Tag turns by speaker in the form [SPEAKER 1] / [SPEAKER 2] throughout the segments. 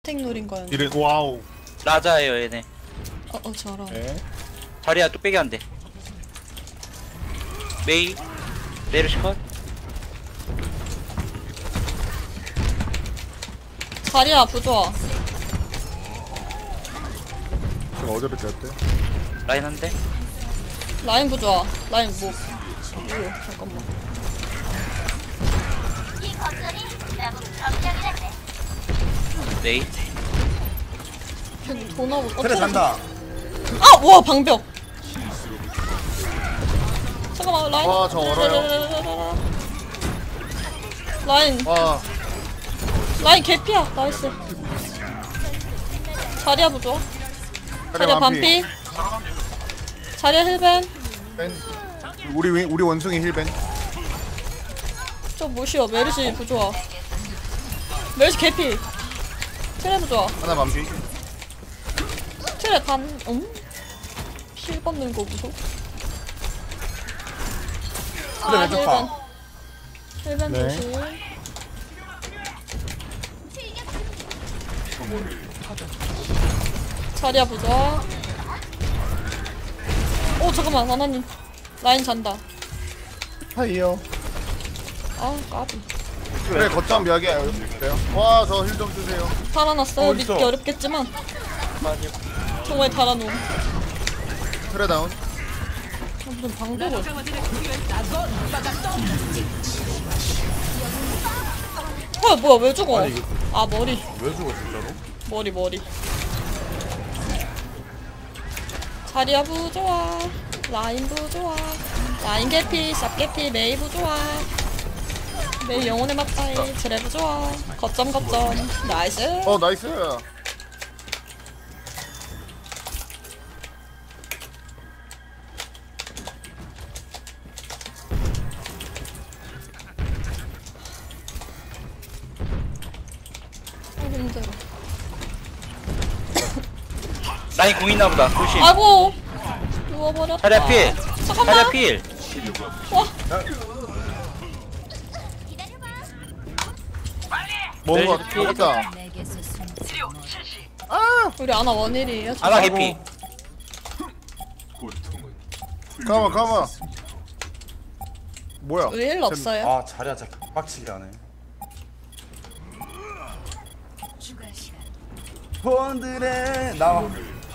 [SPEAKER 1] 스택 노린 거였는데.
[SPEAKER 2] 이래 와우.
[SPEAKER 3] 라자예요 얘네.
[SPEAKER 1] 저런.
[SPEAKER 2] 네.
[SPEAKER 3] 자리야 뚝배기 안 돼. 메이 메르시 컷.
[SPEAKER 1] 자리야 부좋아.
[SPEAKER 2] 제가 어제를 뺐대.
[SPEAKER 3] 라인 한 대.
[SPEAKER 1] 라인 부좋아. 라인 뭐. 오 잠깐만.
[SPEAKER 3] 메이.
[SPEAKER 1] 걔 돈하고
[SPEAKER 4] 그래 간다.
[SPEAKER 1] 아! 와 방벽. 잠깐만 라인.
[SPEAKER 2] 와, 저 얼어요.
[SPEAKER 1] 라인
[SPEAKER 2] 와.
[SPEAKER 1] 라인 개피야. 나이스. 자리야 부좋아. 자리야 반피. 자리야 힐벤.
[SPEAKER 2] 우리 원숭이 힐벤.
[SPEAKER 1] 저 무시여. 메르시 부좋아. 메르시 개피. 트레 부좋아.
[SPEAKER 2] 하나 반피.
[SPEAKER 1] 트레 반. 힐 받는 거 무서워.
[SPEAKER 4] 그래 왼쪽파.
[SPEAKER 1] 힐벤
[SPEAKER 2] 네.
[SPEAKER 1] 조심. 자리야 부좋아. 오 잠깐만 하나님. 라인 잔다.
[SPEAKER 2] 하이요.
[SPEAKER 1] 아 까비.
[SPEAKER 2] 그래 거점 몇 개. 그래요? 와, 저 힐 좀 주세요.
[SPEAKER 1] 달아놨어요. 믿기
[SPEAKER 4] 어딨어?
[SPEAKER 1] 어렵겠지만 정말 달아놓음.
[SPEAKER 2] 트레 다운.
[SPEAKER 1] 무슨 방법을. 뭐야 왜 죽어?
[SPEAKER 4] 아니, 이거-
[SPEAKER 1] 아 머리
[SPEAKER 4] 왜 죽어 진짜로?
[SPEAKER 1] 머리. 자리야 부좋아. 라인 부좋아. 라인 개피, 쌉 개피, 메이 부좋아. 메이 영혼의 맞다이. 드레 부좋아. 거점 나이스.
[SPEAKER 2] 나이스.
[SPEAKER 1] 힘들어.
[SPEAKER 3] 라인 공 있나 보다. 조심.
[SPEAKER 1] 아이고 누워버렸다.
[SPEAKER 3] 자리야 필.
[SPEAKER 1] 잠깐만.
[SPEAKER 3] 자리야 필.
[SPEAKER 1] 와
[SPEAKER 2] 뭔가
[SPEAKER 3] 네,
[SPEAKER 2] 먹었다.
[SPEAKER 1] 우리 아나 원일이에요.
[SPEAKER 3] 아나 개피.
[SPEAKER 2] 가만. 뭐야?
[SPEAKER 1] 우리 일 없어요.
[SPEAKER 4] 아 자리야 진짜 빡치게 하네. 폰들의 나와.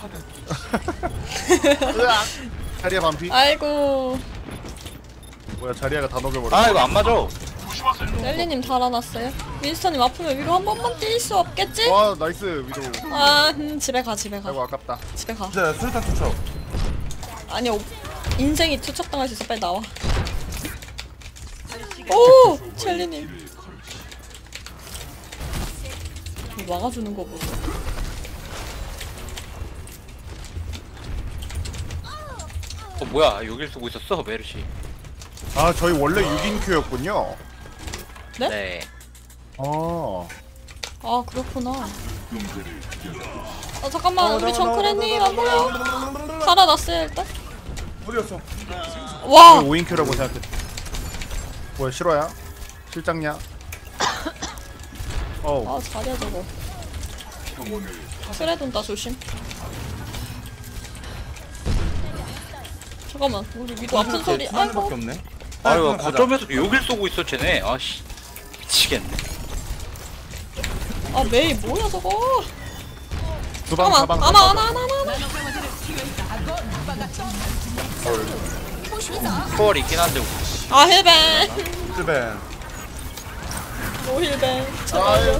[SPEAKER 2] 으악. 자리야 반피.
[SPEAKER 1] 아이고
[SPEAKER 2] 뭐야, 자리야가 다 녹여버려.
[SPEAKER 3] 아 이거 안 맞아.
[SPEAKER 1] 셀리님 달아났어요. 윈스턴님 아프면 위로 한 번만 뛸 수 없겠지?
[SPEAKER 2] 와, 나이스 위도우.
[SPEAKER 1] 아 집에 가.
[SPEAKER 2] 아이고 아깝다.
[SPEAKER 1] 집에 가.
[SPEAKER 4] 진짜 수류탄 투척.
[SPEAKER 1] 아니 인생이 투척당할 수 있어. 빨리 나와. 오 첼리님 막아주는 거 보소.
[SPEAKER 3] 뭐야 여길 쓰고 있었어 메르시.
[SPEAKER 2] 아, 저희 원래 6인 큐였군요.
[SPEAKER 1] 네?
[SPEAKER 3] 네.
[SPEAKER 1] 아 그렇구나. 잠깐만 우리 정크레님 안 보여. 살아났어요 일단.
[SPEAKER 4] 어디였어?
[SPEAKER 1] 와
[SPEAKER 2] 5인 큐라고 생각해. 뭐야, 실화야? 실장냐?
[SPEAKER 1] 아 잘해 저거. 트레 돈다 조심. 잠깐만 우리 위도 아픈 소리.
[SPEAKER 4] 두 마리밖에
[SPEAKER 1] 아이고
[SPEAKER 4] 없네.
[SPEAKER 3] 아이고
[SPEAKER 4] 가자.
[SPEAKER 3] 거점에서도 여길 쏘고 있어 쟤네. 아씨 미치겠네.
[SPEAKER 1] 아 메이 뭐야 저거.
[SPEAKER 2] 주방
[SPEAKER 1] 잠깐만
[SPEAKER 2] 가방.
[SPEAKER 1] 아나.
[SPEAKER 3] 초월 있긴 한데.
[SPEAKER 1] 아 힐벤.
[SPEAKER 4] 힐벤.
[SPEAKER 1] 노 힐벤.
[SPEAKER 2] 아유.
[SPEAKER 1] 제발요.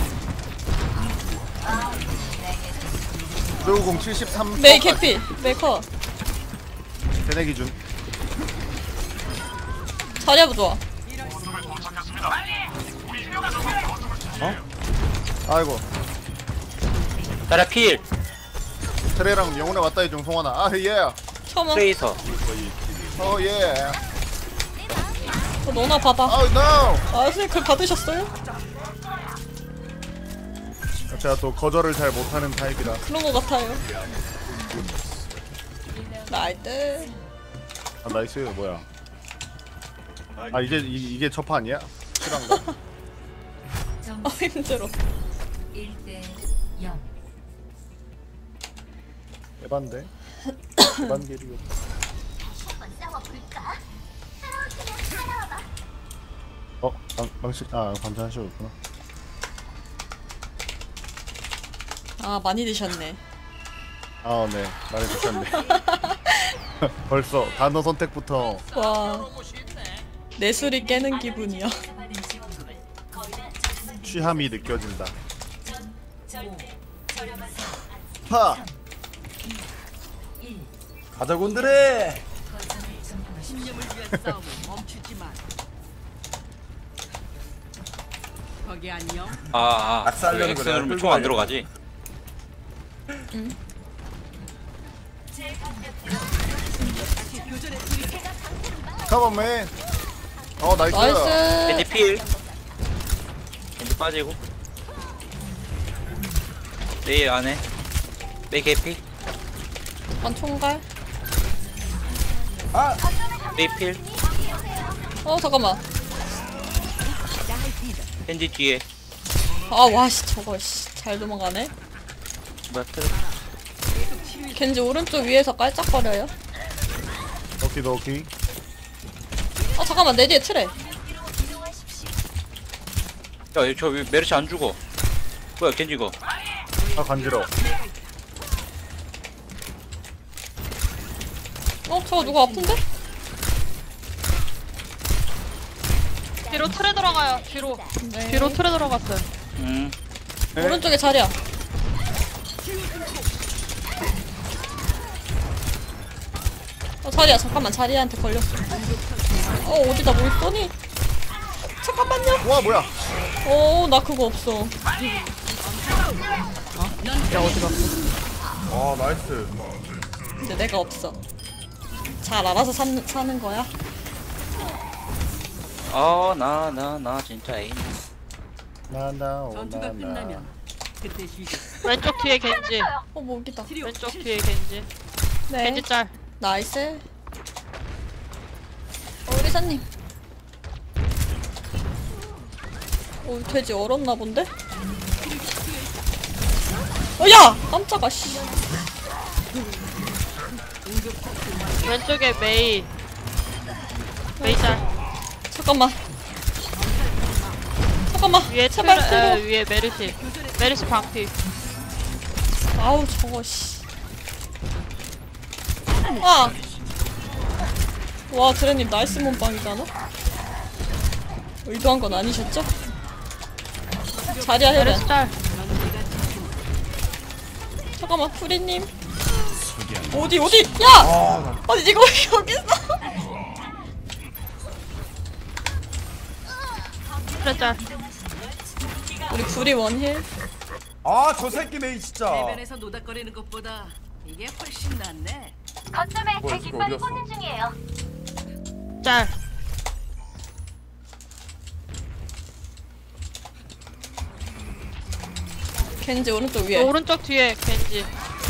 [SPEAKER 2] 조우공 73.
[SPEAKER 1] 메이 캐피. 메이커.
[SPEAKER 2] 대내 기준.
[SPEAKER 1] 자리야 부좋아.
[SPEAKER 2] 아이고.
[SPEAKER 3] 자리야 필.
[SPEAKER 2] 트레랑 영혼의 왔다 해준 송하나. 아, 예.
[SPEAKER 1] 처음
[SPEAKER 3] 트레이서.
[SPEAKER 2] 예.
[SPEAKER 1] 너나 받아.
[SPEAKER 2] Oh no.
[SPEAKER 1] 아 선생님 그걸 받으셨어요?
[SPEAKER 2] 제가 또 거절을 잘 못하는 타입이라.
[SPEAKER 1] 그런 거 같아요. 나이스.
[SPEAKER 2] 아, 나이스. 뭐야? 아, 이게 첫 판이야? 실한가?
[SPEAKER 1] 아 힘들어.
[SPEAKER 5] 1대
[SPEAKER 2] 에반데. 에반게리오. 망치 관전 하시고있구나.
[SPEAKER 1] 아 많이 드셨네.
[SPEAKER 2] 아, 네. 말해 주셨네. 벌써 단어 선택부터.
[SPEAKER 1] 와 내술이 깨는 기분이야.
[SPEAKER 2] 취함이 느껴진다. 파!
[SPEAKER 4] 가자 곤드레.
[SPEAKER 5] 신념을 위한 싸움을 멈추지 마. 거기 안녕.
[SPEAKER 4] 낙살려는
[SPEAKER 3] 엑스
[SPEAKER 4] 거야.
[SPEAKER 3] 누르면
[SPEAKER 4] 끌고
[SPEAKER 3] 총 안
[SPEAKER 4] 가려.
[SPEAKER 3] 들어가지.
[SPEAKER 2] 컴온맨. 나이스.
[SPEAKER 1] 나이스.
[SPEAKER 3] 겐지 필. 겐지 빠지고. 메이 안에. 메이 개피.
[SPEAKER 1] 한 총갈.
[SPEAKER 4] 아,
[SPEAKER 3] 메이 필.
[SPEAKER 1] 잠깐만.
[SPEAKER 3] 겐지 뒤에.
[SPEAKER 1] 아 와씨 저거 잘 도망가네.
[SPEAKER 3] 뭐야 틀.
[SPEAKER 1] 겐지 오른쪽 위에서 깔짝거려요.
[SPEAKER 2] 오키도키.
[SPEAKER 1] 잠깐만 내 뒤에 트레.
[SPEAKER 3] 야저 메르시 안 죽어. 뭐야 겐지 이거.
[SPEAKER 2] 간지러워.
[SPEAKER 1] 저거 누가 아픈데?
[SPEAKER 6] 뒤로 틀에 들어가요. 뒤로.
[SPEAKER 1] 네.
[SPEAKER 6] 뒤로 틀에 들어갔어요.
[SPEAKER 2] 네.
[SPEAKER 1] 오른쪽에 자리야. 자리야 잠깐만 자리한테 걸렸어. 어디다 뭘 쏘니? 잠깐만요.
[SPEAKER 2] 와, 뭐야.
[SPEAKER 1] 나 그거 없어.
[SPEAKER 4] 아 나이스.
[SPEAKER 1] 근데 내가 없어. 잘 알아서 사는 거야.
[SPEAKER 3] 나 진짜 애인.
[SPEAKER 5] 전투가 끝나면 그때 쉬자.
[SPEAKER 6] 왼쪽 뒤에 겐지.
[SPEAKER 1] 목이다.
[SPEAKER 6] 왼쪽 뒤에 겐지.
[SPEAKER 1] 네.
[SPEAKER 6] 겐지 짤.
[SPEAKER 1] 나이스. 우리 사님. 돼지 얼었나 본데? 야! 깜짝아 씨.
[SPEAKER 6] 왼쪽에 메이. 메이 짤.
[SPEAKER 1] 잠깐만.
[SPEAKER 6] 위에
[SPEAKER 1] 제발
[SPEAKER 6] 틀에
[SPEAKER 1] 들어.
[SPEAKER 6] 위에 메르시. 메르시 방피.
[SPEAKER 1] 아우 저거 씨. 아. 와 드레님 나이스 몸빵이잖아. 의도한 건 아니셨죠? 자리야 해야
[SPEAKER 6] 메르시
[SPEAKER 1] 돼.
[SPEAKER 6] 짤.
[SPEAKER 1] 잠깐만 프리님. 어디? 야! 아니 이거 왜 여기 있어?
[SPEAKER 6] 틀에 짤.
[SPEAKER 1] 우리 불이 원힐.
[SPEAKER 4] 아, 저 새끼 메이 진짜.
[SPEAKER 5] 해변에서 노닥거리는 것보다 이게 훨씬 낫네.
[SPEAKER 7] 거점에
[SPEAKER 4] 뭐야,
[SPEAKER 7] 제
[SPEAKER 4] 이거
[SPEAKER 7] 깃발이
[SPEAKER 4] 어디였어?
[SPEAKER 7] 꽂는 중이에요.
[SPEAKER 6] 짤.
[SPEAKER 1] 겐지 오른쪽 위에.
[SPEAKER 6] 오른쪽 뒤에 겐지.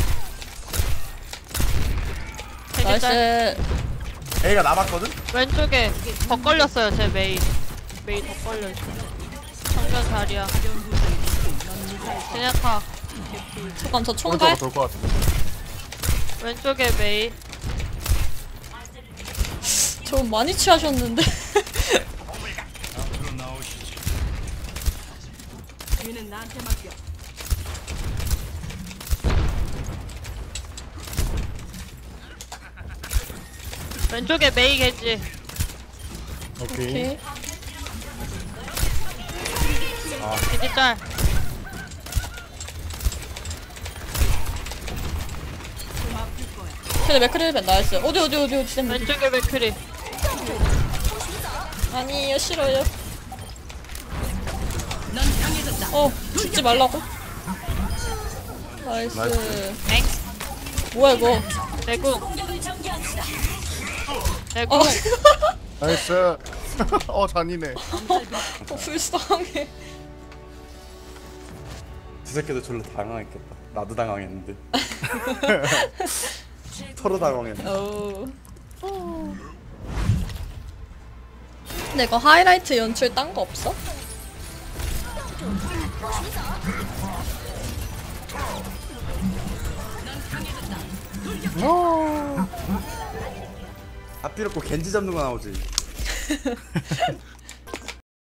[SPEAKER 6] 겐지 짤.
[SPEAKER 1] 나이스.
[SPEAKER 4] A가 남았거든?
[SPEAKER 6] 왼쪽에 더 걸렸어요 제 메이. 메이 더 걸려있어. 정면 자리야. 제냐타.
[SPEAKER 1] 잠깐 저 총갈.
[SPEAKER 2] 오른쪽으로 돌 것 같은데.
[SPEAKER 6] 왼쪽에 메이.
[SPEAKER 1] 저 많이 취하셨는데.
[SPEAKER 5] 뒤는 나한테 맡겨.
[SPEAKER 6] 왼쪽에 메이 겐지.
[SPEAKER 2] 오케이.
[SPEAKER 1] 오케이.
[SPEAKER 6] 겐지 짤.
[SPEAKER 1] 근데 맥크리벤 나이스. 어디 쌤.
[SPEAKER 6] 왼쪽에 맥크리.
[SPEAKER 1] 아니요 싫어요.
[SPEAKER 5] 넌 강해졌다.
[SPEAKER 1] 죽지 말라고. 나이스.
[SPEAKER 6] 엥.
[SPEAKER 1] 뭐야 이거.
[SPEAKER 6] 내궁.
[SPEAKER 1] 어.
[SPEAKER 6] 내궁.
[SPEAKER 2] 나이스. 잔이네.
[SPEAKER 1] 불쌍해.
[SPEAKER 4] 저 새끼도 졸라 당황했겠다. 나도 당황했는데. 서로 당황했네.
[SPEAKER 1] 근데 이거 하이라이트 연출 딴 거 없어?
[SPEAKER 4] 앞뒤로 꼭 겐지 잡는 거 나오지.